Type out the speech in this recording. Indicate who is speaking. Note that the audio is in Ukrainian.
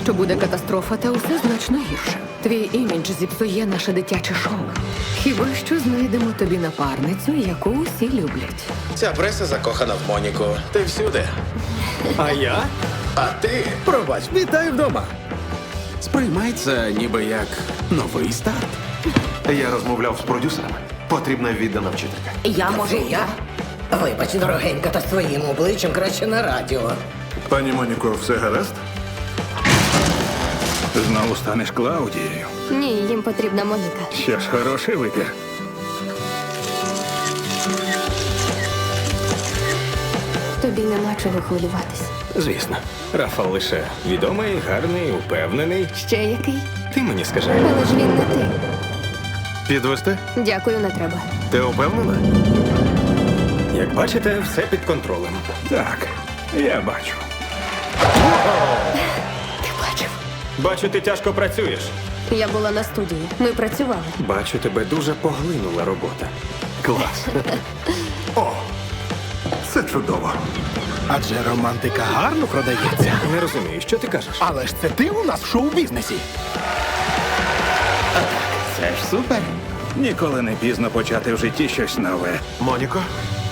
Speaker 1: що буде катастрофа, та усе значно гірше. Твій імідж зіпсує наше дитяче шоу. Хіба що знайдемо тобі напарницю, яку усі люблять.
Speaker 2: Ця преса закохана в Моніку. Ти всюди.
Speaker 3: А я?
Speaker 2: А ти?
Speaker 3: Пробач, вітаю вдома.
Speaker 4: Сприймай це ніби як новий старт.
Speaker 5: Я розмовляв з продюсерами. Потрібна віддана вчителька.
Speaker 6: Я можу. Я? Вибач, дорогенька, та своїм обличчям краще на радіо.
Speaker 7: Пані Моніко, все гаразд?
Speaker 8: Знову станеш Клаудією.
Speaker 9: Ні, їм потрібна Моніка.
Speaker 8: Що ж, хороший вибір.
Speaker 9: Тобі нема чого хвилюватись.
Speaker 3: Звісно. Рафал лише відомий, гарний, упевнений.
Speaker 9: Ще який?
Speaker 3: Ти мені скажи.
Speaker 9: Але ж він не ти.
Speaker 7: Підвести?
Speaker 9: Дякую, не треба.
Speaker 7: Ти упевнена?
Speaker 3: Як бачите, все під контролем.
Speaker 8: Так, я бачу.
Speaker 9: Ти бачив?
Speaker 3: Бачу, ти тяжко працюєш.
Speaker 9: Я була на студії. Ми працювали.
Speaker 3: Бачу, тебе дуже поглинула робота.
Speaker 7: Клас. О, це чудово.
Speaker 8: Адже романтика гарно продається.
Speaker 3: Не розумію, що ти кажеш?
Speaker 8: Але ж це ти у нас в шоу-бізнесі. Це ж супер. Ніколи не пізно почати в житті щось нове.
Speaker 5: Моніко,